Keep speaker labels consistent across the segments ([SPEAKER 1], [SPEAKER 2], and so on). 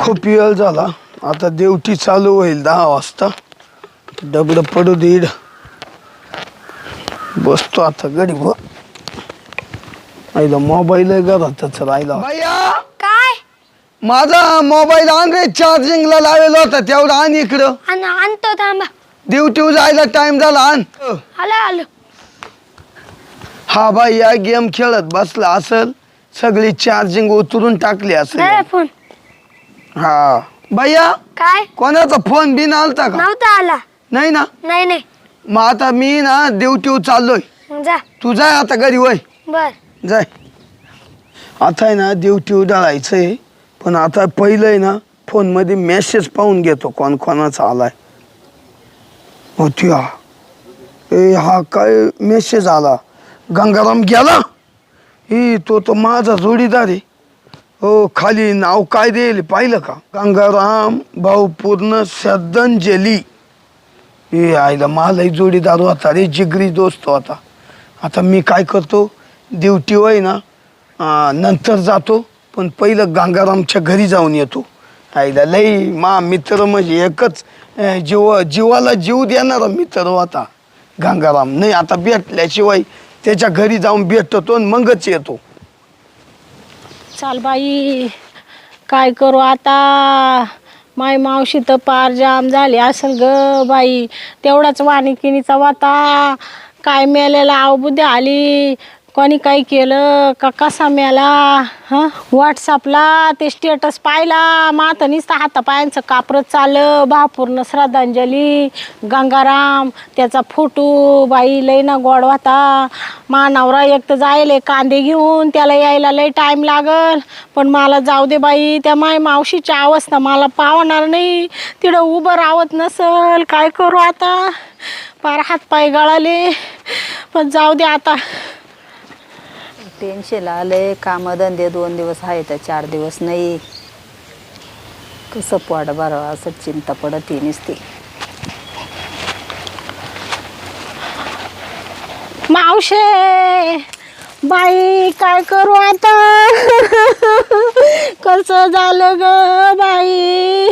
[SPEAKER 1] खूप वेळ झाला. आता ड्युटी चालू होईल 10 वाजता. डबड पडू दीड बसतो आता गडीवर. आईला मोबाईल घरातच राहिला. भैया
[SPEAKER 2] काय
[SPEAKER 1] माझा मोबाईल आण रे, चार्जिंगला लावलेला होता तेवढा आण इकडं.
[SPEAKER 2] आणतो थांबा.
[SPEAKER 1] ड्युटी जायला टाइम झाला आण.
[SPEAKER 2] आलो
[SPEAKER 1] हा बाई या गेम खेळत बसला असल, सगळी चार्जिंग उतरून टाकली असेल.
[SPEAKER 2] फोन
[SPEAKER 1] हा भैया
[SPEAKER 2] काय
[SPEAKER 1] कोणाचा फोन बिन आलता का?
[SPEAKER 2] नव्हता आला.
[SPEAKER 1] नाही ना.
[SPEAKER 2] नाही
[SPEAKER 1] मग आता मी ना ड्युटीवर चाललोय.
[SPEAKER 2] जा
[SPEAKER 1] तू जाय आता घरी वय.
[SPEAKER 2] बर.
[SPEAKER 1] जाय. आता आहे ना ड्युटीवर जायचंय, पण आता पहिलं आहे ना फोन मध्ये मेसेज पाहून घेतो कोण कोणाचा आलाय. होत्या हा काय मेसेज आला. गंगाराम गेला. ही तो माझा जोडीदार आहे. हो खाली नाव काय देईल पाहिलं का? गंगाराम भाऊ पूर्ण श्रद्धांजली. हे आईला मलाही जोडीदार होता रे, जिगरी दोस्त होता. आता मी काय करतो, ड्युटी होय ना नंतर जातो, पण पहिलं गंगारामच्या घरी जाऊन येतो. आईला लई मा मित्र म्हणजे एकच जीवाला जीव देणारा मित्र होता गंगाराम. नाही आता भेटल्याशिवाय त्याच्या घरी जाऊन भेटतो आणि मगच येतो.
[SPEAKER 3] चाल बाई, काय करू आता. माय मावशी तर पार जाम झाली असेल ग बाई. तेवढाच वाणिकिनीचा वाता काय मेलेला अवबुद्धी आली. कोणी काही केलं का कसा मेला. हां व्हॉट्सअपला ते स्टेटस पाहिला. मात नुसतं हातापायांचं कापरत चाललं. भावपूर्ण श्रद्धांजली गंगाराम. त्याचा फोटो बाई लई ना गोड होता. मानावरा एक तर जायले कांदे घेऊन, त्याला यायला लई टाईम लागल. पण मला जाऊ दे बाई, त्या माय मावशीची अवस्था मला पावणार नाही. तिथं उभं राहत नसल. काय करू आता. पार हातपाय गळाले. पण जाऊ दे आता.
[SPEAKER 4] टेन्शन आलंय. कामधंदे 2 दिवस आहे तर 4 दिवस नाही. कसं पोट बरं असं चिंता पडत नसते.
[SPEAKER 3] मावशे बाई काय करू आता. कसं झालं ग बाई.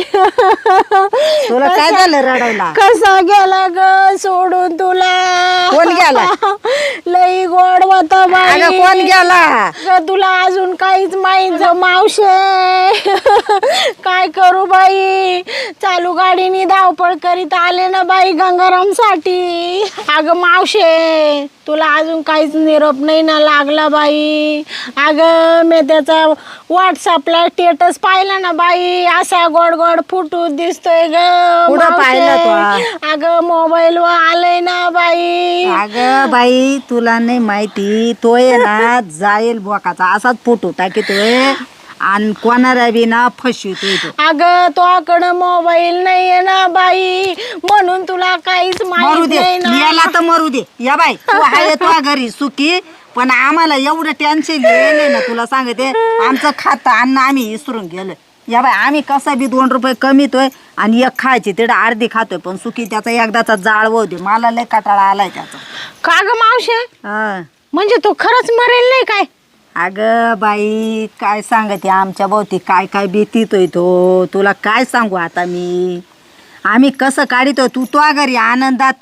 [SPEAKER 4] तुला काय झालं रडायला?
[SPEAKER 3] कसा गेला ग सोडून तुला.
[SPEAKER 4] कोण गेला?
[SPEAKER 3] लई गोड होता बाई.
[SPEAKER 4] अगं कोण गेला?
[SPEAKER 3] ग तुला अजून काहीच माहित मावशे. काय करू बाई. चालू गाडीने धावपळ करीत आले ना बाई गंगाराम साठी. अगं मावशे तुला अजून काहीच निरोप नाही ना लागला बाई. अगं मी त्याचा व्हॉट्सअपला स्टेटस पाहिला ना बाई. असा गोड गोड फोटो दिसतोय ग.
[SPEAKER 4] कुठं पाहिलं तू?
[SPEAKER 3] अगं मोबाईल वर आलंय ना बाई.
[SPEAKER 4] अगं बाई तुला नाही माहिती. तोय ना जाईल बोकाचा असाच फोटो टाकीतोय आणि कोणाला बी ना फसवितोय तो.
[SPEAKER 3] अगं तोकडं मोबाईल नाहीये ना बाई, म्हणून तुला काहीच
[SPEAKER 4] मरू
[SPEAKER 3] माहित
[SPEAKER 4] दे.
[SPEAKER 3] नाही ना.
[SPEAKER 4] याला तर मरू दे. या बाई तू आहे तुझ्या घरी सुखी, पण आम्हाला एवढं टेन्शन येईल ना. तुला सांगते आमचं खातं अन्न आम्ही विसरून गेलो. या बाई आम्ही कसं बी 2 रुपये कमीतोय आणि एक खायची तिथं अर्धी खातोय. पण सुखी त्याचा एकदाचा जाळ होऊ दे. मला लय कटाळा आलाय त्याचा.
[SPEAKER 3] का ग मावशे. म्हणजे तो खरंच मरेल नाही काय.
[SPEAKER 4] अगं बाई काय सांगते आमच्या भोवती काय काय भीतीतोय तो. तुला काय सांगू आता मी. आम्ही कसं काढितोय तू तो घरी आनंदात.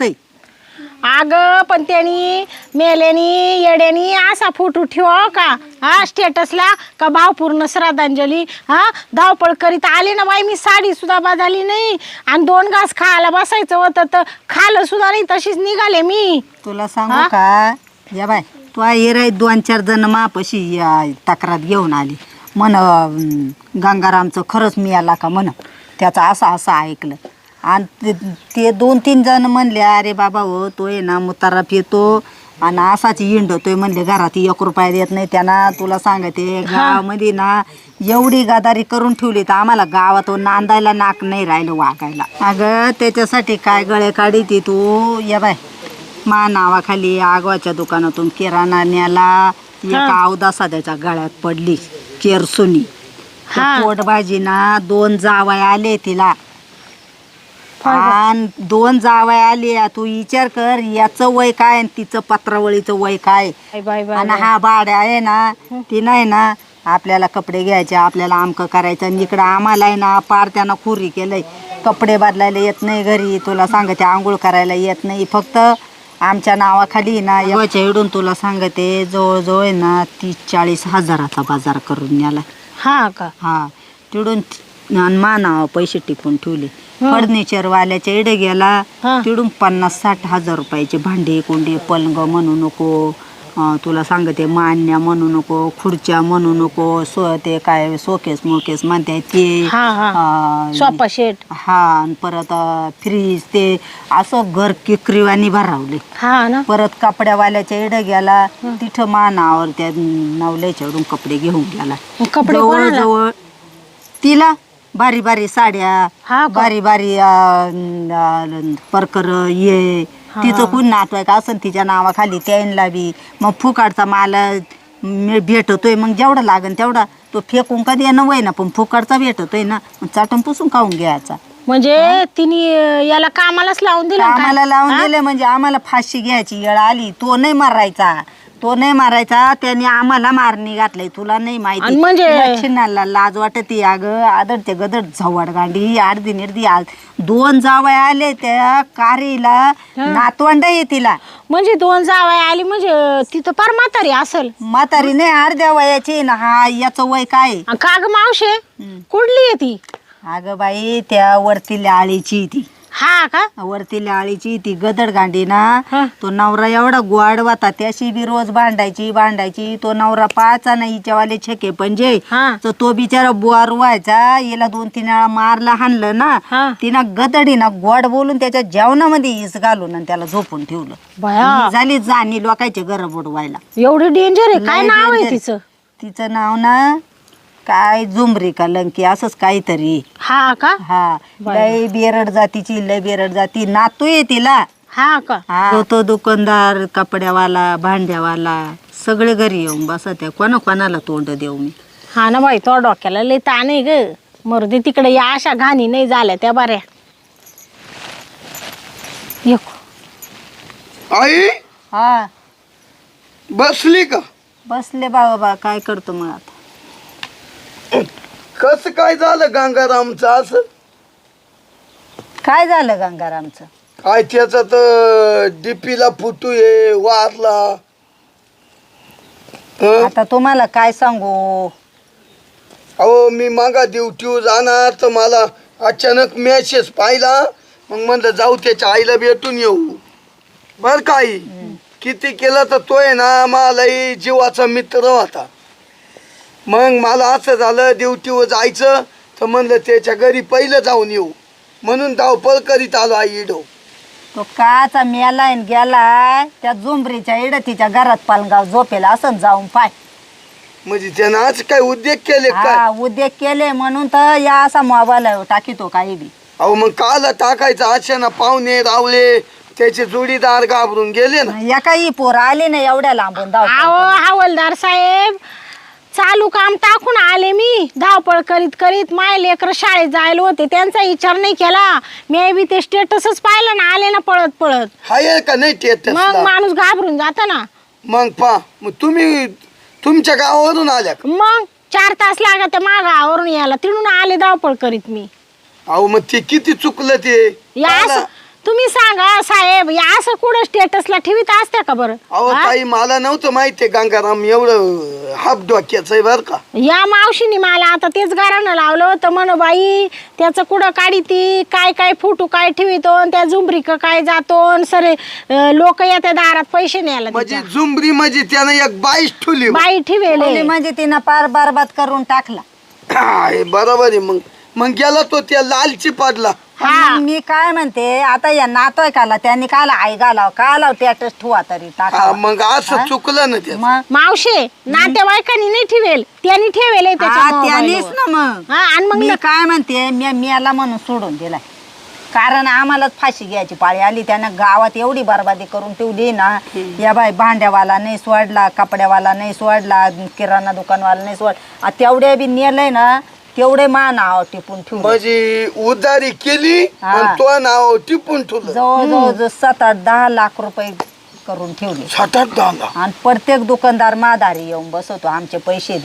[SPEAKER 3] अगं पण त्यांनी मेल्यानी येड्यानी असा फोटो ठेवा का हा स्टेटसला का भावपूर्ण श्रद्धांजली. हा धावपळ करीत आले ना बाई. मी साडी सुद्धा बदलली नाही आणि 2 घास खायला बसायचं होतं तर खाल्लं सुद्धा नाही. तशीच निघाले मी.
[SPEAKER 4] तुला सांगू का या बाय तू येराय 2-4 जण मापाशी तक्रार घेऊन आली म्हण गंगारामचं खरंच मिळाला का म्हण. त्याचं असं असं ऐकलं आणि ते 2-3 जण म्हणले अरे बाबा हो तो आहे ना मुताराफ येतो आणि असाच हिंडतोय म्हणले. घरात 1 रुपया देत नाही त्यांना. तुला सांगते गावामध्ये ना एवढी गदारी करून ठेवली तर आम्हाला गावात नांदायला नाक नाही राहिलं वागायला. अगं त्याच्यासाठी काय गळे काढी तू. या बाय मा नावाखाली आगवाच्या दुकानातून किराणा न्याला. एका अवदासा त्याच्या गळ्यात पडली केरसुनी. पोटभाजी ना 2 जावई आले तिला आणि 2 जावई आले. तू विचार कर याचं वय काय आणि तिचं पत्रावळीचं वय काय. आणि हा भाड्या आहे ना ती नाही ना आपल्याला कपडे घ्यायचे, आपल्याला आमकं करायचं. आणि इकडं आम्हाला आहे ना पार त्यानं खुरी केलंय. कपडे बदलायला येत नाही घरी, तुला सांगते आंघोळ करायला येत नाही. फक्त आमच्या नावाखाली ना एवढ्याच्या इडून तुला सांगते जवळजवळ आहे ना 30-40 हजाराचा बाजार करून न्याला.
[SPEAKER 3] हा का?
[SPEAKER 4] हा तिडून मा नाव पैसे टिपून ठेवले. फर्निचरवाल्याच्या इडे गेला
[SPEAKER 3] हा.
[SPEAKER 4] तिडून 50-60 हजार रुपयाचे भांडे कोंडे, पलंग म्हणू नको, तुला सांगते मान्या म्हणू नको, खुर्च्या म्हणू नको, ते काय शोकेस मोकेस म्हणते ते,
[SPEAKER 3] हा हा सोफा सेट.
[SPEAKER 4] हा आणि परत फ्रीज, ते असं घर किकरीवानी भरावले.
[SPEAKER 3] हा ना.
[SPEAKER 4] परत कपड्यावाल्याच्या इडे गेला तिथं मानावर त्या नवल्याच्यावरून कपडे घेऊन गेला.
[SPEAKER 3] कपडे कोणाला?
[SPEAKER 4] जवळ तिला बारी बारी साड्या,
[SPEAKER 3] हा का?
[SPEAKER 4] बारी बारी परकर ये तिचं कोण नातवायक असं तिच्या नावाखाली त्यांना बी. मग फुकाडचा माल भेटतोय, मग जेवढा लागन तेवढा तो फेकून कधी येणं वय ना, पण फुकाडचा भेटतोय ना, मग चाटून पुसून खाऊन घ्यायचा.
[SPEAKER 3] म्हणजे तिने याला कामालाच लावून दिलं काय?
[SPEAKER 4] आम्हाला लावून दिले म्हणजे आम्हाला फाशी घ्यायची वेळ आली. तो नाही मारायचा, त्याने आम्हाला मारणी घातलंय. तुला नाही माहिती
[SPEAKER 3] आणि म्हणजे-
[SPEAKER 4] तिला छिन्नाला लाज वाटते अगं. आदडते गदड झवड गांडी आडदी निर्दी. आज 2 जावया आले त्या कारीला, नातवंड आहे तिला.
[SPEAKER 3] म्हणजे 2 जावई आली म्हणजे तिथं फार म्हातारी असल.
[SPEAKER 4] म्हातारी नाही अर्ध्या वयाची ना. हा याचं वय काय?
[SPEAKER 3] का ग मावशे, कुठली आहे ती?
[SPEAKER 4] अगं बाई त्या वरती आळीची ती.
[SPEAKER 3] हा का?
[SPEAKER 4] वरती आळीची ती गदड गांडी ना.
[SPEAKER 3] हा.
[SPEAKER 4] तो नवरा एवढा गोड होता, त्याशी बी रोज भांडायची. तो नवरा पाहायचा नाही हिच्यावाले छके पंजे.
[SPEAKER 3] हा.
[SPEAKER 4] तर तो बिचारा बुवार व्हायचा. हिला 2-3 वेळा मारला हाणलं ना.
[SPEAKER 3] हा.
[SPEAKER 4] तिनं गदडीनं गोड बोलून त्याच्या जेवणामध्ये इस घालून आणि त्याला झोपून ठेवलं.
[SPEAKER 3] बया,
[SPEAKER 4] आणि झाली जाणी लोकांचे घर बुडवायला.
[SPEAKER 3] एवढी डेंजर आहे. काय
[SPEAKER 4] लय
[SPEAKER 3] नाव आहे
[SPEAKER 4] danger.
[SPEAKER 3] तिचं?
[SPEAKER 4] तिचं नाव ना काय झुमरी का लंकी असंच काहीतरी.
[SPEAKER 3] हा का?
[SPEAKER 4] हा लय बेरड जाती नातू आहे तिला.
[SPEAKER 3] हा का?
[SPEAKER 4] हा. तो दुकानदार, कपड्यावाला, भांड्यावाला सगळे घरी येऊन बसत्या. कोणाला तोंड देऊ मी?
[SPEAKER 3] हा ना बाई, तो डोक्याला लय ताण आहे ग. मरुदे तिकडे, या अशा घाणी नाही झाल्या त्या बऱ्या.
[SPEAKER 1] आई
[SPEAKER 4] हा
[SPEAKER 1] बसली का?
[SPEAKER 4] बसले बाबा. काय करतो मग आता?
[SPEAKER 1] कसं काय झालं गंगारामचं असं?
[SPEAKER 4] काय झालं गंगारामचं?
[SPEAKER 1] काय त्याचा तर डीपीला फुटू आहे, वारला. हं?
[SPEAKER 4] आता तुम्हाला काय सांगू?
[SPEAKER 1] अहो मी मागा ड्युटीवर जाणार तर मला अचानक मेसेज पाहिला. मग म्हणलं जाऊ त्याच्या आईला भेटून येऊ. बर काही किती केलं तर तो आहे ना मलाही जीवाचा मित्र होता. मग मला असं झालं ड्युटीवर जायचं तर म्हणलं त्याच्या घरी पहिलं जाऊन येऊ म्हणून धावपळ करीत आलो आई इडो.
[SPEAKER 4] तो काचा मेलाय गेलाय त्या झुंबरीच्या इड तिच्या घरात पालगाव झोपेला असं जाऊन पाय.
[SPEAKER 1] म्हणजे त्यानं आज काय उद्योग केले
[SPEAKER 4] हा
[SPEAKER 1] काय?
[SPEAKER 4] उद्योग केले म्हणून तर या असा मोबाईल टाकीतो काही बी.
[SPEAKER 1] अहो मग काला टाकायचं अशा पाहुणे रावले त्याचे जोडीदार घाबरून गेले ना.
[SPEAKER 4] या काही पोर आले ना एवढ्या लांबून धाव.
[SPEAKER 3] अहो हवालदार साहेब, चालू काम टाकून आले मी धावपळ करीत करीत. माय लेकर शाळेत जायला होते, त्यांचा विचार नाही केला. मी बी ते स्टेटसच पाहिलं ना, आले ना पळत पळत.
[SPEAKER 1] हाय का नाही
[SPEAKER 3] मग
[SPEAKER 1] स्टेटसला?
[SPEAKER 3] माणूस घाबरून जात ना.
[SPEAKER 1] मग पा मग तुम्ही तुमच्या गावावरून आल्या का?
[SPEAKER 3] मग 4 तास लागत मागावरून यायला, तिथून आले धावपळ करीत मी.
[SPEAKER 1] अहो मग ते किती चुकलं ते.
[SPEAKER 3] या असं तुम्ही सांगा साहेब, या असं कुठं स्टेटसला ठेवीत असत्या का बरं?
[SPEAKER 1] अहो
[SPEAKER 3] हा?
[SPEAKER 1] ताई मला नव्हतं माहिती गंगाराम एवढं हाफ डोक्याचं आहे बर का.
[SPEAKER 3] या मावशीने मला आता तेच गारानं लावलं होतं. म्हण बाई त्याचं कुठं काढी ती, काय काय फुटू काय ठेवितो, त्या झुंबरीक काय जातो, सरे लोक येते दारात पैसे न्यायला.
[SPEAKER 1] म्हणजे झुंबरी म्हणजे त्यानं एक बाईस ठुली.
[SPEAKER 3] बाई ठेवेले
[SPEAKER 4] म्हणजे तिनं पार बरबाद करून टाकला.
[SPEAKER 1] काय बरोबर आहे. मग गेला तो त्या लालची पडला.
[SPEAKER 3] हा.
[SPEAKER 4] मग मी काय म्हणते आता या नातोय काला त्यांनी काला आई घालाव कालाव त्याटच ठुवा तरी
[SPEAKER 1] हा,
[SPEAKER 4] टाका.
[SPEAKER 1] मग असं चुकलं ना ते.
[SPEAKER 4] मग
[SPEAKER 3] मावशे नातेवाईकांनी नाही ठेवेल, त्यांनी ठेवेल
[SPEAKER 4] त्यानेच ना मग.
[SPEAKER 3] आणि मग
[SPEAKER 4] मी काय म्हणते मी याला म्हणून सोडून दिलाय. कारण आम्हालाच फाशी घ्यायची पाळी आली. त्यानं गावात एवढी बरबादी करून ठेवली ना. या बाई भांड्यावाला नाही सोडला, कपड्यावाला नाही सोडला, किराणा दुकानवाला नाही सोडला. तेवढे बी नेलंय ना तेवढे मा नाव टिपून ठेवलं.
[SPEAKER 1] म्हणजे उधारी केली आणि तो नाव टिपून ठेवलं.
[SPEAKER 4] जवळजवळ 7-8-10 लाख रुपये करून ठेवले.
[SPEAKER 1] 7-8 झाला.
[SPEAKER 4] आणि प्रत्येक दुकानदार मादारी येऊन बसवतो आमचे पैसे द्या.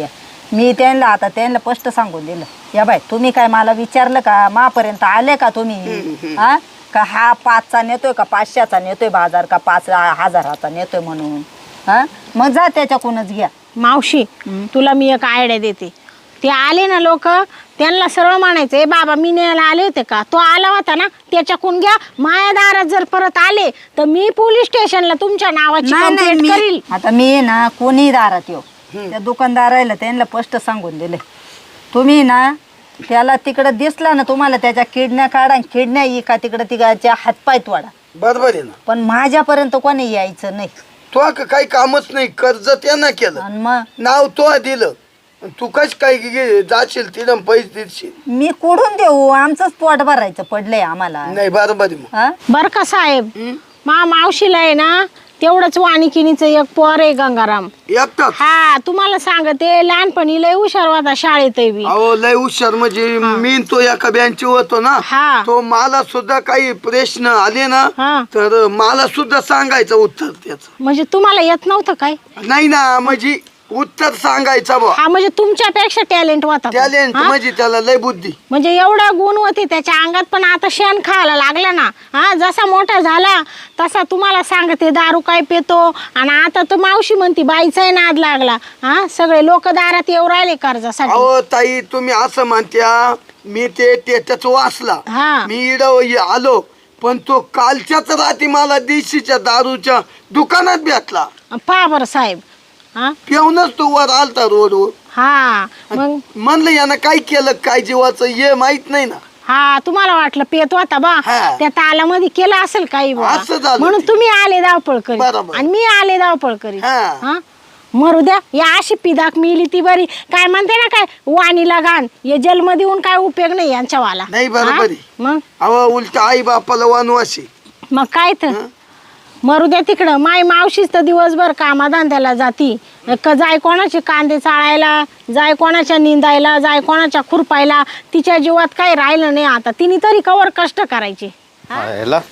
[SPEAKER 4] मी त्यांना स्पष्ट सांगून दिलं, या बाय तुम्ही काय मला विचारलं का, मापर्यंत आले का तुम्ही हा का हा 5चा नेतोय का 500चा नेतोय बाजार का 5,000चा नेतोय म्हणून हा, मग जा त्याच्याकडूनच घ्या.
[SPEAKER 3] मावशी तुला मी एक आयडिया देते. ते आले ना लोक, त्यांना सरळ म्हणायचं, ए बाबा मी न्यायला आले होते का, तो आला होता ना त्याच्याकडून घ्या. माया दारात जर परत आले तर मी पोलीस स्टेशनला तुमच्या नावाची कंप्लेंट करील.
[SPEAKER 4] आता मी ना कोणी दारात येऊ, त्या दुकानदाराला त्यांना स्पष्ट सांगून दिले, तुम्ही ना त्याला तिकडं दिसला ना तुम्हाला त्याच्या किडण्या काढा, किडण्या इका तिकडं तिच्या हातपाय तोडा,
[SPEAKER 1] बरोबर आहे ना.
[SPEAKER 4] पण माझ्यापर्यंत कोणी यायचं नाही.
[SPEAKER 1] तो काही कामच नाही, कर्ज त्यानं केलं,
[SPEAKER 4] आणि मग
[SPEAKER 1] नाव तो दिलं, तू कश काय जाशील तिथं पैसे देशील.
[SPEAKER 4] मी कुठून देऊ, आमचंच पोट भरायचं पडलंय आम्हाला.
[SPEAKER 1] नाही बरोबर आहे मग.
[SPEAKER 4] हा?
[SPEAKER 3] बर का साहेब, मावशीला आहे ना तेवढंच वाणिकिनीचं एक पोर आहे गंगाराम.
[SPEAKER 1] एकटाच?
[SPEAKER 3] हा तुम्हाला सांगते, लहानपणी लय हुशार होता शाळेत बी.
[SPEAKER 1] अहो लय हुशार म्हणजे मी तो एका बँची होतो ना,
[SPEAKER 3] हा.
[SPEAKER 1] तो मला सुद्धा काही प्रश्न आले ना
[SPEAKER 3] हा.
[SPEAKER 1] तर मला सुद्धा सांगायचं उत्तर त्याचं.
[SPEAKER 3] म्हणजे तुम्हाला येत नव्हतं काय?
[SPEAKER 1] नाही ना, म्हणजे उत्तर सांगायचा बा.
[SPEAKER 3] हा म्हणजे तुमच्यापेक्षा टॅलेंट होता तो.
[SPEAKER 1] टॅलेंट
[SPEAKER 3] हा?
[SPEAKER 1] म्हणजे त्याला लय बुद्धी.
[SPEAKER 3] म्हणजे एवढा गुण होते त्याच्या अंगात, पण आता शेण खायला लागला ना. हा जसा मोठा झाला तसा तुम्हाला सांगते दारू काय पितो, आणि आता तो मावशी म्हणती बाईचाही नाद लागला. हा सगळे लोक दारात येऊ राहिले कर्जासाठी.
[SPEAKER 1] अहो ताई तुम्ही असं म्हणत्या, मी ते त्याच वाचला,
[SPEAKER 3] हा.
[SPEAKER 1] मी इड आलो, पण तो कालच्याच रात्री मला देशीच्या दारूच्या दुकानात भेटला.
[SPEAKER 3] पहा बरं साहेब. हा
[SPEAKER 1] पिऊनच तो वर आलता रोडवर.
[SPEAKER 3] हा मग
[SPEAKER 1] म्हणलं यानं काय केलं काय जीवाचं हे माहित नाही ना.
[SPEAKER 3] हा तुम्हाला वाटलं पेत होता बा,
[SPEAKER 1] हा.
[SPEAKER 3] त्या तालामध्ये केलं असेल काही बा,
[SPEAKER 1] असं झालं
[SPEAKER 3] म्हणून
[SPEAKER 1] ते.
[SPEAKER 3] तुम्ही आले धावपळ करी
[SPEAKER 1] बरोबर.
[SPEAKER 3] आणि मी आले धावपळ करी.
[SPEAKER 1] हा.
[SPEAKER 3] हा मरू द्या, या अशी पिदाक मिली ती बरी. काय म्हणते ना काय वाणीला घाण, या जलमध्ये येऊन काय उपयोग नाही यांच्या वाला.
[SPEAKER 1] नाही बरोबर आहे.
[SPEAKER 3] मग
[SPEAKER 1] अहो उलट आई बापाला वनवासी.
[SPEAKER 3] मग काय तर मरू द्या तिकडं. माय मावशीच तर दिवसभर कामाधंद्याला जाती, जाय कोणाचे कांदे चाळायला, जाय कोणाच्या निंदायला, जाय कोणाच्या खुरपायला. तिच्या जीवात काही राहिलं नाही आता. तिने तरी कवर कष्ट करायचे.
[SPEAKER 5] याला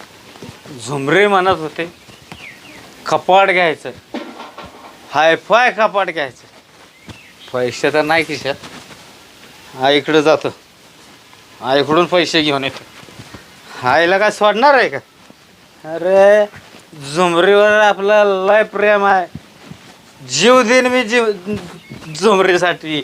[SPEAKER 5] झुमरे म्हणत होते कपाट घ्यायचं, हाय फाय कपाट घ्यायचं. पैसे तर नाही खिशात. आईकडं जातो, आईकडून पैसे घेऊन येतो. आईला काय सोडणार आहे का? अरे झुमरीवर आपलं लय प्रेम आहे, जीव देईन मी झुमरीसाठी.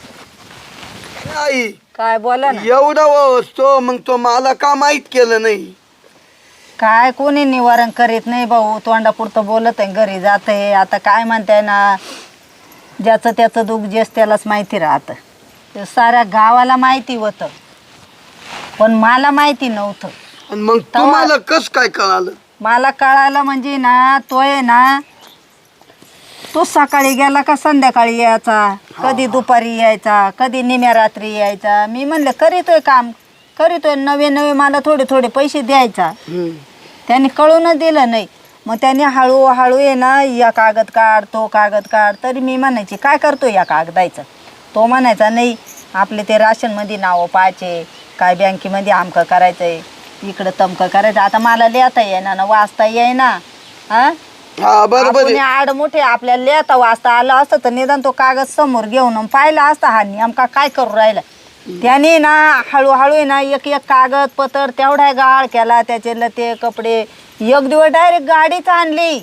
[SPEAKER 1] आई
[SPEAKER 4] काय बोला ना,
[SPEAKER 1] एवढा वस्तू मग तो मला का माहित केलं नाही.
[SPEAKER 4] काय कोणी निवारण करीत नाही भाऊ, तोंडापुरतं बोलत आहे, घरी जात आहे. आता काय म्हणताय ना, ज्याचं त्याचं दुःख जेच त्यालाच माहिती राहतं. ते साऱ्या गावाला माहिती होतं, पण मला माहिती नव्हतं.
[SPEAKER 1] आणि मग तुम्हाला कस काय कळालं?
[SPEAKER 4] मला कळालं म्हणजे ना, तो आहे ना, तो सकाळी गेला का संध्याकाळी यायचा, कधी दुपारी यायचा, कधी निम्या रात्री यायचा. मी म्हणलं करीतोय काम, करीतोय, नवे नवे मला थोडे थोडे पैसे द्यायचा. त्यांनी कळूनच दिलं नाही. मग त्याने हळूहळू आहे ना, या कागद काढ, तो कागद काढ. तरी मी म्हणायची काय करतो या कागदायचं. तो म्हणायचा नाही, आपले ते राशनमध्ये नावं पाहायचे, काय बँकेमध्ये आमकं करायचं आहे, इकडं तमकं करायचं. आता मला लिहिता येईना ना, वाचता येईना. हा
[SPEAKER 1] हा बरोबर आहे.
[SPEAKER 4] आड मोठे आपल्याला लिहिता वाचता आलं असतं तर निदान तो कागद समोर घेऊन पाहिला असता हा नेमका काय करू राहिला. त्याने ना हळूहळू ना एक एक कागदपत्र तेवढा गाळ केला, त्याचे लते कपडे. एक दिवस डायरेक्ट गाडीच आणली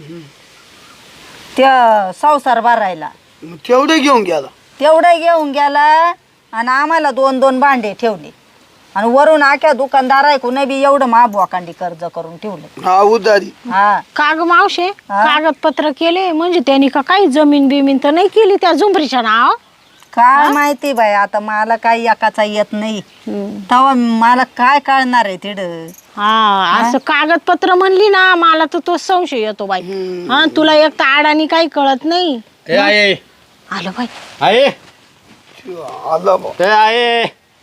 [SPEAKER 4] त्या संसार भरायला.
[SPEAKER 1] तेवढे घेऊन गेला.
[SPEAKER 4] तेवढं घेऊन गेला आणि आम्हाला 2-2 भांडे ठेवले, आणि वरून आख्या दुकानदार ऐकून बी एवढं महाबुवाकांडी कर्ज करून ठेवलं.
[SPEAKER 1] हा उदारी.
[SPEAKER 4] हा
[SPEAKER 3] काग मावशे कागदपत्र केले म्हणजे त्यांनी का काही जमीन बिमीन तर नाही केली त्या झुमरीच्या नाव?
[SPEAKER 4] काय माहिती बाई, आता मला काही एकाचा येत नाही, तेव्हा मला काय कळणार आहे तिड.
[SPEAKER 3] हा असं कागदपत्र म्हणली ना, मला तर तो संशय येतो बाई. हा तुला एक तर आडानी काही कळत नाही.
[SPEAKER 5] आहे
[SPEAKER 3] आलो बाई.
[SPEAKER 5] आहे
[SPEAKER 1] आला बा.
[SPEAKER 5] ते आहे,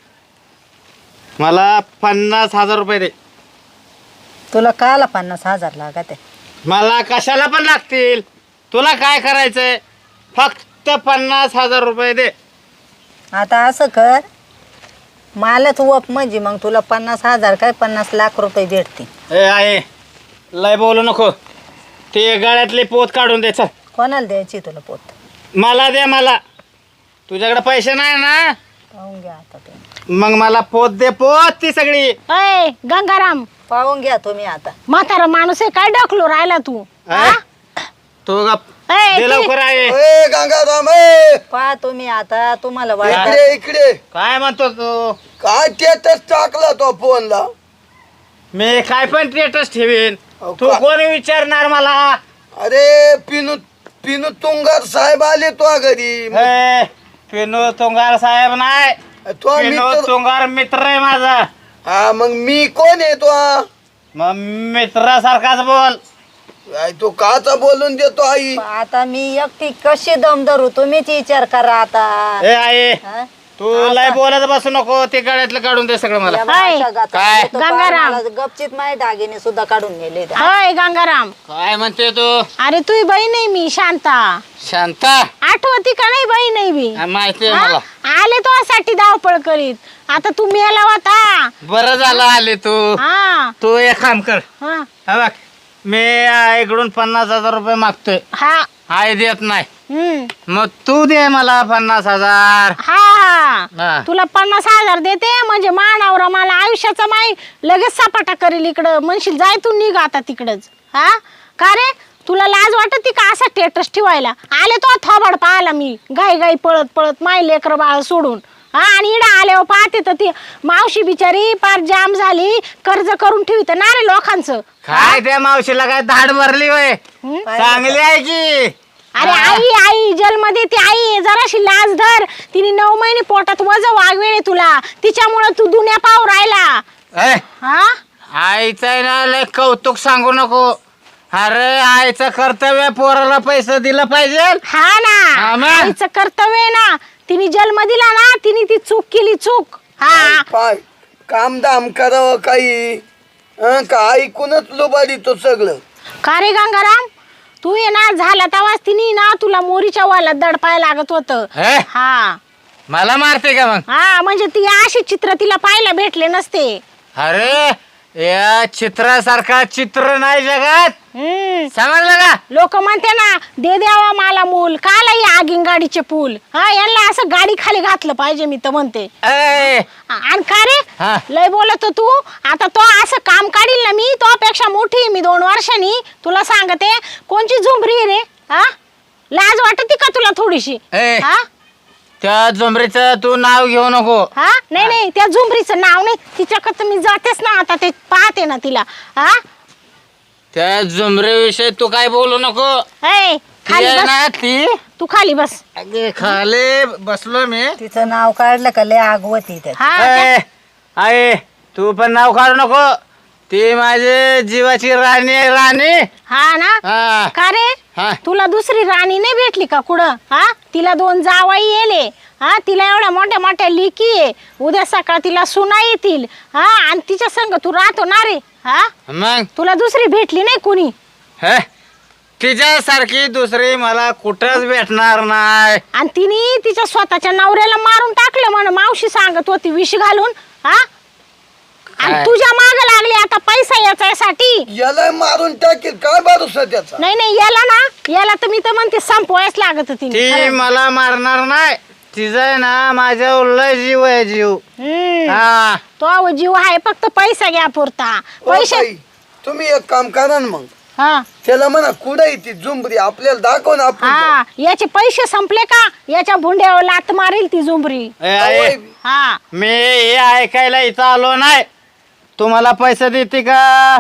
[SPEAKER 5] मला 50,000 रुपये दे.
[SPEAKER 4] तुला काला 50,000 लागत आहे?
[SPEAKER 5] मला कशाला पण लागतील, तुला काय करायचंय, फक्त 50,000 रुपये दे.
[SPEAKER 4] आता असं कर, मालच वप म्हणजे मग तुला 50,000 काय 50 लाख रुपये भेटतील.
[SPEAKER 5] ए आहे, लय बोलू नको. ते गळ्यातले पोत काढून दे. चल
[SPEAKER 4] कोणाला द्यायची तुला पोत?
[SPEAKER 5] मला दे. मला तुझ्याकडे पैसे नाही ना
[SPEAKER 4] पाहून घ्या आता तुम्ही.
[SPEAKER 5] मग मला पोत दे, पोत ती सगळी.
[SPEAKER 3] अय गंगाराम,
[SPEAKER 4] पाहून घ्या तुम्ही आता.
[SPEAKER 3] म्हातारा माणूस आहे, काय ढकलो राहिला तू?
[SPEAKER 5] अय, तू गप
[SPEAKER 3] अय,
[SPEAKER 5] दे
[SPEAKER 3] ती-
[SPEAKER 5] लवकर आहे.
[SPEAKER 1] ए गंगाराम ए
[SPEAKER 4] पहा तुम्ही आता, तुम्हाला वाटत
[SPEAKER 1] इकडे इकडे
[SPEAKER 5] काय म्हणतो तू?
[SPEAKER 1] काय स्टेटस टाकला तो फोनला?
[SPEAKER 5] मी काय पण स्टेटस ठेवीन,
[SPEAKER 1] अहो,
[SPEAKER 5] तू
[SPEAKER 1] का-
[SPEAKER 5] कोणी विचारणार मला?
[SPEAKER 1] अरे पिनू पिनू तुंगार साहेब आले तो घरी.
[SPEAKER 5] ए, पिनू तुंगार साहेब नाही,
[SPEAKER 1] तो
[SPEAKER 5] पिनू
[SPEAKER 1] मित्र.
[SPEAKER 5] तुंगार मित्र आहे माझा.
[SPEAKER 1] हा मग मी कोण आहे तो?
[SPEAKER 5] मग मित्रासारखाच बोल.
[SPEAKER 1] आई, तो काचा बोलून देतो आई?
[SPEAKER 4] आता मी एकटी कशी दम धरू, तुम्हीच विचार करा आता.
[SPEAKER 5] ए आई,
[SPEAKER 4] हा?
[SPEAKER 5] तू लय बोलत बसू नको, ते गळ्यातलं काढून दे सगळं मला.
[SPEAKER 4] या बाया
[SPEAKER 3] हाय.
[SPEAKER 4] अशा गाता.
[SPEAKER 5] काय?
[SPEAKER 4] तो
[SPEAKER 3] गंगाराम.
[SPEAKER 4] मला गपचित माझे दागिने सुद्धा काढून नेले.
[SPEAKER 3] अय गंगाराम,
[SPEAKER 5] काय म्हणते तू?
[SPEAKER 3] अरे तुझी बहीण आहे मी शांता,
[SPEAKER 5] शांता?
[SPEAKER 3] आठवती का नाही बहीण आहे मी?
[SPEAKER 5] हा, माहिती आहे
[SPEAKER 3] हा?
[SPEAKER 5] मला.
[SPEAKER 3] आले तो साठी धावपळ करीत, आता तू मेला होता.
[SPEAKER 5] बरं झालं आले तू.
[SPEAKER 3] हा
[SPEAKER 5] तू एक काम कर,
[SPEAKER 3] हा
[SPEAKER 5] हा बघ, मी इकडून 50,000 रुपये मागतोय,
[SPEAKER 3] हा
[SPEAKER 5] आई देत नाही,
[SPEAKER 3] हम्म
[SPEAKER 5] मग तू दे मला 50,000.
[SPEAKER 3] हा
[SPEAKER 5] हा.
[SPEAKER 3] हा तुला 50,000 देते म्हणजे मानावरा मला आयुष्याचा माई लगेच सपाटा करेल. इकडं म्हणशील जाय तू निघ आता तिकडच. हा का रे, तुला लाज वाटते का असा स्टेटस ठेवायला? आले तो थोबाड पाहायला मी, गाई गाई पळत पळत माय लेकर बाळ सोडून. हा आणि इडं आल्यावर पाहते तर ती मावशी बिचारी पार जाम झाली, कर्ज करून ठेवित ना रे लोकांचं.
[SPEAKER 5] काय त्या मावशीला काय धाड भरली होय?
[SPEAKER 3] हम्म?
[SPEAKER 5] चांगली आहे की.
[SPEAKER 3] अरे आई आई जन्मदे ती आई आहे, जराशी लाज धर. तिने 9 महिने पोटात वज वागवेळे तुला, तिच्यामुळं तू दुनिया पाहू राहिला.
[SPEAKER 5] ए,
[SPEAKER 3] हा
[SPEAKER 5] आईचं आहे ना लय कौतुक सांगू नको. अरे आईचं कर्तव्य पोराला पैसे दिलं पाहिजे.
[SPEAKER 3] हा
[SPEAKER 5] हा
[SPEAKER 3] ना,
[SPEAKER 5] मग?
[SPEAKER 3] आईचं कर्तव्य आहे ना. तिने जन्म दिला ना, तिने ती चूक केली, चूक. हा
[SPEAKER 1] पाय काम दाम करावं काही. का ऐकूनच लोबाडी तो सगळं.
[SPEAKER 3] का रे गंगाराम, तू ये ना झाला तवाच तिने ना तुला मोरीच्या वालात दडपाय लागत होत.
[SPEAKER 5] हे?
[SPEAKER 3] हा
[SPEAKER 5] मला मारते का मग?
[SPEAKER 3] हा म्हणजे ती अशी चित्र तिला पाहायला भेटले नसते.
[SPEAKER 5] अरे या चित्रासारखा चित्र नाही जगात,
[SPEAKER 3] हम्म
[SPEAKER 5] समजलं का?
[SPEAKER 3] लोक म्हणते ना दे द्यावा मला मूल, काला ही आगीन गाडीचे पूल. हा यांना असं गाडी खाली घातलं पाहिजे मी तर म्हणते.
[SPEAKER 5] ए,
[SPEAKER 3] आणि का
[SPEAKER 5] हा.
[SPEAKER 3] रे लय बोलत तू आता, तो असं काम काढील ना मी, तो पेक्षा मोठी आहे मी 2 वर्षांनी. तुला सांगते कोणची झुंबरी आहे रे? हा लाज वाटते का तुला थोडीशी?
[SPEAKER 5] ए.
[SPEAKER 3] हा
[SPEAKER 5] त्या जमरीचं तू नाव घेऊ नको.
[SPEAKER 3] हा नाही नाही त्या झुंबरीचं नाव नाही, तिच्याकडे मी जातेच ना आता, ते पाहते ना तिला. हा
[SPEAKER 5] त्या जमरीविषयी तू काय बोलू नको.
[SPEAKER 3] ए,
[SPEAKER 5] ती
[SPEAKER 3] खाली
[SPEAKER 5] आहे
[SPEAKER 3] बस,
[SPEAKER 5] ना ती,
[SPEAKER 3] तू खाली बस.
[SPEAKER 5] अगे खाली बसलो मी.
[SPEAKER 4] तिचं नाव काढलं का लय आगवती त्यात.
[SPEAKER 3] हा त्या-
[SPEAKER 5] ए, आई तू पण नाव काढू नको. ती माझी जीवाची राणी आहे, राणी.
[SPEAKER 3] हा ना
[SPEAKER 5] हा.
[SPEAKER 3] का रे
[SPEAKER 5] हा.
[SPEAKER 3] तुला दुसरी राणी नाही भेटली का कुठं? हा तिला 2 जावाई येले. हा तिला एवढ्या मोठ्या मोठ्या लिकी आहे, उद्या सकाळ तिला सुना येतील. हा आणि तिच्या संग तू राहतो ना रे. हा
[SPEAKER 5] मग
[SPEAKER 3] तुला दुसरी भेटली नाही कुणी.
[SPEAKER 5] हे, तिच्यासारखी दुसरी मला कुठंच भेटणार नाही.
[SPEAKER 3] आणि तिने तिच्या स्वतःच्या नवऱ्याला मारून टाकलं म्हण, मावशी सांगत होती विष घालून. हा आणि
[SPEAKER 5] काय?
[SPEAKER 3] तुझ्या माग लागली आता पैसा याच्यासाठी.
[SPEAKER 1] याला मारून टाकेल काय भरोसा त्याचा?
[SPEAKER 3] नाही नाही याला तर मी तर म्हणते संपवायच लागत तिने.
[SPEAKER 5] ती
[SPEAKER 3] खरं.
[SPEAKER 5] मला मारणार नाही. तिचं आहे ना माझ्यावर लय जीव आहे, जीव.
[SPEAKER 3] हम्म.
[SPEAKER 5] हा.
[SPEAKER 3] तो अहो जीव आहे, फक्त पैसा घ्या पुरता.
[SPEAKER 1] ओ
[SPEAKER 3] पैसे
[SPEAKER 1] बाई, तुम्ही एक काम करा ना मग,
[SPEAKER 3] हा
[SPEAKER 1] त्याला म्हणा कुठं आहे ती झुंबरी, आपल्याला दाखव ना आपण
[SPEAKER 3] हा याचे पैसे संपले का याच्या भुंड्यावर लात मारील ती झुंबरी.
[SPEAKER 5] ए, आई,
[SPEAKER 1] जाऊ.
[SPEAKER 3] हा
[SPEAKER 5] मी हे ऐकायला इथं आलो नाही. तुम्हाला पैसे देते का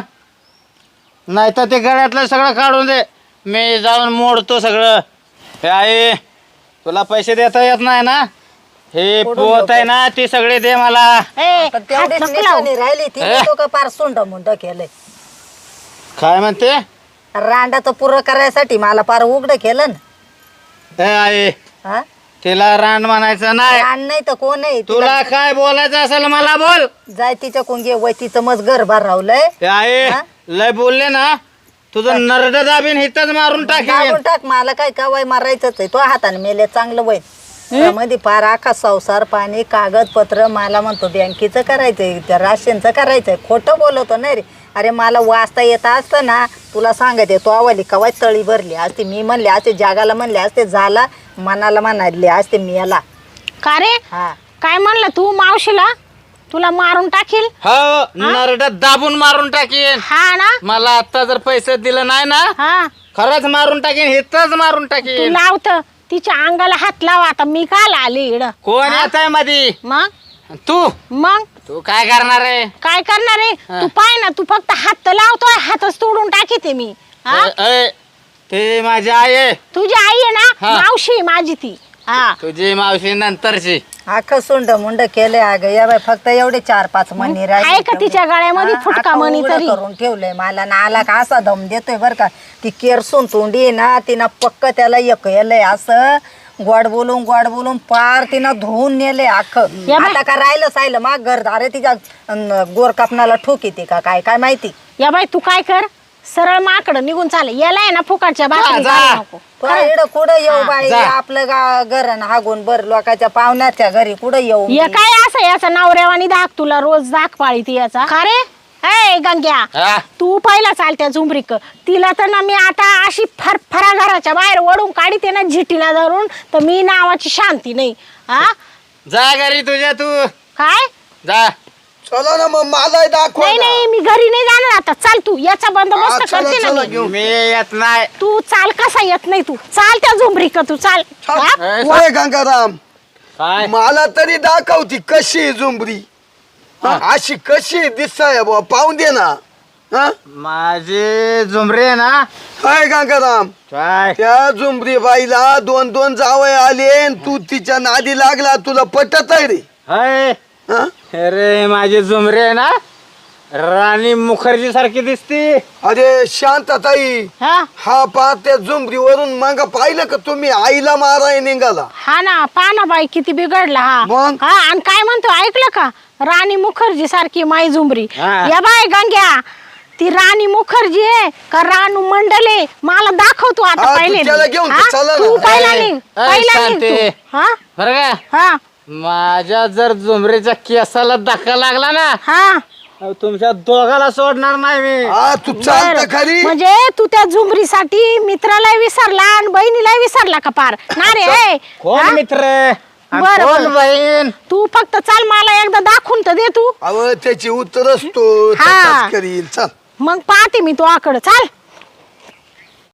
[SPEAKER 5] नाही तर ते गळ्यातलं सगळं काढून दे, मी जाऊन मोडतो सगळं. हे आई तुला पैसे देता येत नाही ना? हे पोत आहे ना ती सगळे दे मला.
[SPEAKER 3] ए,
[SPEAKER 4] पण
[SPEAKER 3] हात
[SPEAKER 4] तेवढीच
[SPEAKER 3] नको लावू.
[SPEAKER 4] निशाणी राहिली ती,
[SPEAKER 5] ए?
[SPEAKER 4] तो का पार सोंड मुंड केलंय.
[SPEAKER 5] काय म्हणते?
[SPEAKER 4] रांडाचं पुरं करायसाठी मला पार उघड केलं ना.
[SPEAKER 5] हे आई
[SPEAKER 4] हा
[SPEAKER 5] तिला रांड म्हणायचं नाही.
[SPEAKER 4] रांड नाही तर कोण नाही.
[SPEAKER 5] तुला काय बोलायचं असेल मला बोल.
[SPEAKER 4] जाय तिच्या कोंगे वय, तिचं मज घरभर रावलंय.
[SPEAKER 5] हे आई
[SPEAKER 4] हा?
[SPEAKER 5] लय बोलले ना तुझं नरड दाबीन हिथंच मारून
[SPEAKER 4] दाबून
[SPEAKER 5] टाकेन.
[SPEAKER 4] टाक, मला काय का वय मारायचंच आहे. तो हाताने मेले चांगलं वय. त्यामध्ये फार आखा संसार पाणी कागदपत्र मला म्हणतो बँकेचं करायचंय, त्या राशनचं करायचंय. खोटं बोलवतो नाही रे. अरे मला वाचता येत असतं ना, तुला सांगते तो आवाली कवाय तळी भरली असते. मी म्हणले असते, जागाला म्हणले असते झाला, मनाला म्हणाले असते मी याला.
[SPEAKER 3] का रे
[SPEAKER 4] हा
[SPEAKER 3] काय म्हणलं तू मावशीला तुला मारून टाकील
[SPEAKER 5] हो नरड्यात दाबून मारून टाकीन.
[SPEAKER 3] हा ना
[SPEAKER 5] मला आता जर पैसे दिलं नाही ना
[SPEAKER 3] हा
[SPEAKER 5] खरंच मारून टाकीन, हिथंच मारून
[SPEAKER 3] तू
[SPEAKER 5] टाकीन.
[SPEAKER 3] लावत तिच्या अंगाला हात लाव आता मी काल आले इड
[SPEAKER 5] कोण येत आहे मधी?
[SPEAKER 3] मग
[SPEAKER 5] तू तू काय करणार आहे?
[SPEAKER 3] काय करणार आहे तू पाय ना तू फक्त हात तर लावतोय हातच तोडून टाकीते मी हा
[SPEAKER 5] ते माझी आई आहे.
[SPEAKER 3] तुझी आई आहे ना
[SPEAKER 5] हा.
[SPEAKER 3] मावशी आहे माझी ती हा
[SPEAKER 5] तुझी मावशी नंतरची.
[SPEAKER 4] अख्खं सुंड मुंड केले अगं या बाय फक्त एवढे 4-5 मणी
[SPEAKER 3] आहे का तिच्या गळ्यामध्ये फुटका मणी तरी
[SPEAKER 4] करून ठेवलंय मला ना आला का असा दम देतोय बर का ती केरसून तोंडी आहे ना तिनं पक्क त्याला येलंय असं गोड बोलून पार तिनं धुवून नेले अख्खं
[SPEAKER 3] या बाय.
[SPEAKER 4] आता का राहिलं माग घरदारे तिच्या गोर कापणाला ठोक येते का काय काय माहिती
[SPEAKER 3] या बाई तू काय कर सरळ माकडं निघून चाल याला आहे ना फुकाटच्या भाकरी
[SPEAKER 5] जा.
[SPEAKER 3] घालू नको
[SPEAKER 4] तुला इकडं कुठं येऊ बाई
[SPEAKER 5] जा.
[SPEAKER 4] आपलं घर हागून बर लोकांच्या पाहुण्याच्या घरी कुठं येऊ
[SPEAKER 3] या काय असं याचा नवऱ्यावानी दाख तुला रोज दाख पाळी ती याचा का रे ए गंग्या
[SPEAKER 5] हा?
[SPEAKER 3] तू पहिला चालत्या झुमरीक तिला तर ना मी आता अशी फरफरा घराच्या बाहेर वडून काढीते ना झिटीला धरून तर मी नावाची शांती नाही हा
[SPEAKER 5] जा घरी तुझ्या तू
[SPEAKER 3] काय
[SPEAKER 5] जा.
[SPEAKER 1] चला ना मग मला दाखवा
[SPEAKER 3] नाही
[SPEAKER 1] ना.
[SPEAKER 3] नाही मी घरी नाही जाणार आता चाल तू याचा
[SPEAKER 1] हा,
[SPEAKER 3] बंदोबस्त
[SPEAKER 1] चला,
[SPEAKER 3] करते ना
[SPEAKER 1] चला,
[SPEAKER 3] मी.
[SPEAKER 1] घेऊ.
[SPEAKER 5] मी येत नाही.
[SPEAKER 3] तू चाल कसा येत नाही तू चाल त्या झुमरीक तू चाल हा?
[SPEAKER 1] ओय गंगाराम
[SPEAKER 5] काय
[SPEAKER 1] मला तरी दाखवती कशी आहे झुंबरी हा, अशी कशी दिसाय बुवा पाहून दे ना हा
[SPEAKER 5] माझे झुमरे आहे ना
[SPEAKER 1] हाय गंगाराम
[SPEAKER 5] काय
[SPEAKER 1] त्या झुंबरी बाईला 2-2 जावई आले आणि तू तिच्या नादी लागला तुला पटत आहे रे
[SPEAKER 5] हाय
[SPEAKER 1] हा?
[SPEAKER 5] अरे माझे झुमरे आहे ना राणी मुखर्जी सारखी दिसती.
[SPEAKER 1] अरे शांतताई
[SPEAKER 3] हा
[SPEAKER 1] हा पा त्या झुंबरीवरून मग पाहिलं का तुम्ही आईला माराय निघाला
[SPEAKER 3] हा ना पहा ना बाई किती बिघडला हा
[SPEAKER 1] मग?
[SPEAKER 3] हा आणि काय म्हणतो ऐकलं का राणी मुखर्जी सारखी माई झुमरी
[SPEAKER 5] हा.
[SPEAKER 3] या बाय गंग्या ती राणी मुखर्जी आहे का रानू मंडले मला दाखवतो आता
[SPEAKER 1] हा, तू
[SPEAKER 3] पहिले
[SPEAKER 1] त्याला घेऊन
[SPEAKER 3] हा?
[SPEAKER 1] चला ना.
[SPEAKER 3] तू पहिला
[SPEAKER 5] ए,
[SPEAKER 3] निघ
[SPEAKER 5] ए,
[SPEAKER 3] पहिला निघ
[SPEAKER 5] शांती.
[SPEAKER 3] तू हा
[SPEAKER 5] बरं का
[SPEAKER 3] हा
[SPEAKER 5] माझ्या जर झुमरेच्या केसाला धक्का लागला ना
[SPEAKER 3] हा
[SPEAKER 5] तुमच्या दोघाला सोडणार नाही मी.
[SPEAKER 1] हा तू चालत
[SPEAKER 3] बरं.
[SPEAKER 1] खरी
[SPEAKER 3] म्हणजे तू त्या झुमरीसाठी मित्राला विसरला आणि बहिणीला विसरला का पार ना रे ए?
[SPEAKER 5] कोण
[SPEAKER 3] हा?
[SPEAKER 5] मित्र आणि
[SPEAKER 3] बरं,
[SPEAKER 5] कोण
[SPEAKER 3] बरं.
[SPEAKER 5] बहीण?
[SPEAKER 3] तू फक्त चाल मला एकदा दाखवून तर दे तू
[SPEAKER 1] अव त्याची उत्तर असतो
[SPEAKER 3] हा.
[SPEAKER 1] करील चल
[SPEAKER 3] मग पाहते मी तो आकडे चाल